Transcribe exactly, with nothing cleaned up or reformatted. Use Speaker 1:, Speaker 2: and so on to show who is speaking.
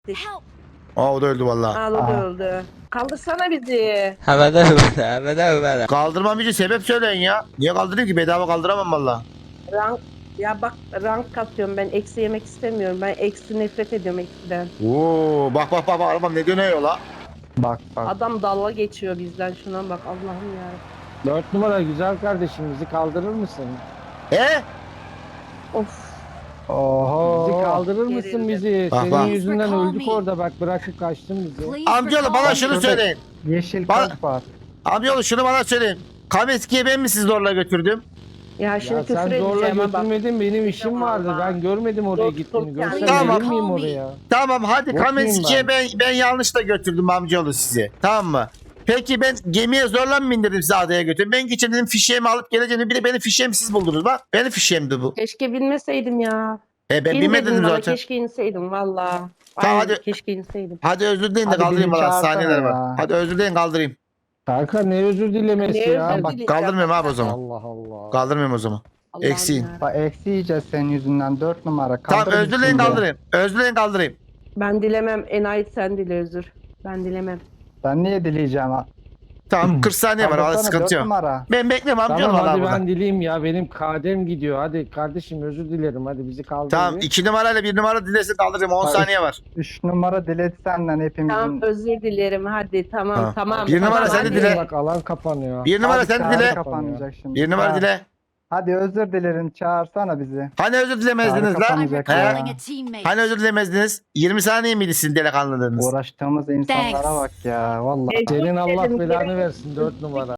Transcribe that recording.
Speaker 1: Help!
Speaker 2: Aa o da öldü vallahi.
Speaker 3: Al o
Speaker 4: Aa.
Speaker 3: da öldü. Kaldırsana bizi.
Speaker 5: Havada havada havada havada.
Speaker 2: Kaldırmam için sebep söyleyin ya. Niye kaldırayım ki? Bedava kaldıramam valla.
Speaker 3: Rank ya bak rank katıyorum ben eksi yemek istemiyorum. Ben eksi nefret ediyorum eksiden.
Speaker 2: Oo bak bak bak bak, arabam ne dönüyor la?
Speaker 4: Bak bak.
Speaker 3: Adam dalga geçiyor bizden şuna bak Allah'ım ya.
Speaker 6: Dört numara güzel kardeşim bizi kaldırır mısın?
Speaker 2: He?
Speaker 3: Of.
Speaker 4: Oho.
Speaker 6: Bizi kaldırır mısın
Speaker 3: Gerildim.
Speaker 6: bizi?
Speaker 2: Bak,
Speaker 6: Senin
Speaker 2: bak.
Speaker 6: yüzünden
Speaker 1: Call
Speaker 6: öldük
Speaker 1: me.
Speaker 6: orada bak bırakıp kaçtın bizi.
Speaker 1: Please
Speaker 2: Amcaoğlu
Speaker 1: recall
Speaker 2: bana
Speaker 1: me.
Speaker 2: şunu
Speaker 4: Şurada-
Speaker 2: söyleyin.
Speaker 4: Yeşil
Speaker 2: Bana-
Speaker 4: kalp var.
Speaker 2: Amcaoğlu şunu bana söyleyin. Kameski'ye ben mi sizi zorla götürdüm?
Speaker 3: Ya şimdi
Speaker 6: Ya
Speaker 3: küfür
Speaker 6: sen zorla
Speaker 3: edeceğim ha bak.
Speaker 6: götürmedin benim işim vardı.
Speaker 3: Vallahi.
Speaker 6: Ben görmedim oraya
Speaker 3: Dostum
Speaker 6: gittiğini.
Speaker 3: yani.
Speaker 6: Görsem
Speaker 2: Tamam.
Speaker 6: gelir miyim oraya?
Speaker 2: Tamam hadi
Speaker 6: Yok
Speaker 2: Kameski'ye
Speaker 6: muyum
Speaker 2: ben ben yanlışla götürdüm amcaoğlu sizi. Tamam mı? Peki ben gemiye zorla mı bindirdim sizi adaya götürdüm? Ben geçen fişeğimi alıp geleceğim. Bir de benim fişeğimi siz buldunuz bak. Benim fişeğimdi bu.
Speaker 3: Keşke bilmeseydim ya.
Speaker 2: E ben
Speaker 3: İn
Speaker 2: bilmedim
Speaker 3: dedin bana,
Speaker 2: zaten.
Speaker 3: keşke inseydim valla.
Speaker 2: Tamam,
Speaker 3: Aynen,
Speaker 2: hadi.
Speaker 3: keşke inseydim.
Speaker 2: Hadi özür dileyin de
Speaker 4: Hadi
Speaker 2: kaldırayım
Speaker 4: beni
Speaker 2: valla
Speaker 4: çağırsana
Speaker 2: saniyeler var.
Speaker 4: ya.
Speaker 2: Hadi özür dileyin kaldırayım.
Speaker 6: Kanka ne özür dilemesi
Speaker 3: Ne
Speaker 6: ya?
Speaker 3: özür
Speaker 6: Bak
Speaker 3: dileyeceğim
Speaker 2: Kaldırmıyorum abi o
Speaker 3: ben.
Speaker 2: zaman.
Speaker 6: Allah Allah.
Speaker 2: Kaldırmıyorum o zaman.
Speaker 3: Allah'ım
Speaker 2: Eksiğin.
Speaker 3: ya.
Speaker 4: Bak eksi yiyeceğiz senin yüzünden dört numara.
Speaker 2: Tamam
Speaker 4: Kaldır
Speaker 2: özür
Speaker 4: bizi
Speaker 2: dileyin
Speaker 4: şimdi.
Speaker 2: kaldırayım. Özür dileyin kaldırayım.
Speaker 3: Ben dilemem. Enayi sen dile özür. Ben dilemem.
Speaker 4: Ben niye dileyeceğim ha?
Speaker 2: Tamam kırk saniye var. Valla
Speaker 4: Kaldırsana,
Speaker 2: sıkıntı
Speaker 4: dört
Speaker 2: yok.
Speaker 4: numara.
Speaker 2: Ben bekliyorum amcaoğlu
Speaker 6: Tamam
Speaker 2: valla
Speaker 6: hadi
Speaker 2: burada.
Speaker 6: ben dileyim ya benim kadem gidiyor. Hadi kardeşim özür dilerim hadi bizi kaldır.
Speaker 2: Tamam
Speaker 6: bir.
Speaker 2: iki numarayla bir numara dilesin kaldırayım. on
Speaker 4: Hadi.
Speaker 2: saniye var.
Speaker 4: Üç numara diledi senden hepimizin.
Speaker 3: Tamam özür dilerim hadi tamam
Speaker 2: Ha.
Speaker 3: tamam.
Speaker 2: Bir numara
Speaker 3: tamam,
Speaker 2: sen de
Speaker 3: hadi.
Speaker 2: dile.
Speaker 6: Bak alan kapanıyor.
Speaker 2: Bir numara
Speaker 4: Hadi
Speaker 2: sen de
Speaker 4: çağrı
Speaker 2: dile.
Speaker 4: kapanacak şimdi.
Speaker 2: Bir numara
Speaker 4: Ha.
Speaker 2: dile.
Speaker 4: Hadi özür dilerim çağırsana bizi.
Speaker 2: Hani özür dilemezdiniz
Speaker 4: Çağrı
Speaker 2: lan?
Speaker 1: I'm
Speaker 4: kapanacak
Speaker 2: He?
Speaker 1: recalling
Speaker 4: ya.
Speaker 1: a teammate.
Speaker 2: Hani özür dilemezdiniz? yirmi saniye miydi sizin delikanlılığınız?
Speaker 4: Uğraştığımız insanlara
Speaker 1: Thanks.
Speaker 4: bak ya vallahi.
Speaker 6: Senin Allah
Speaker 3: Dedim,
Speaker 6: belanı
Speaker 3: gerek-
Speaker 6: versin dört numara.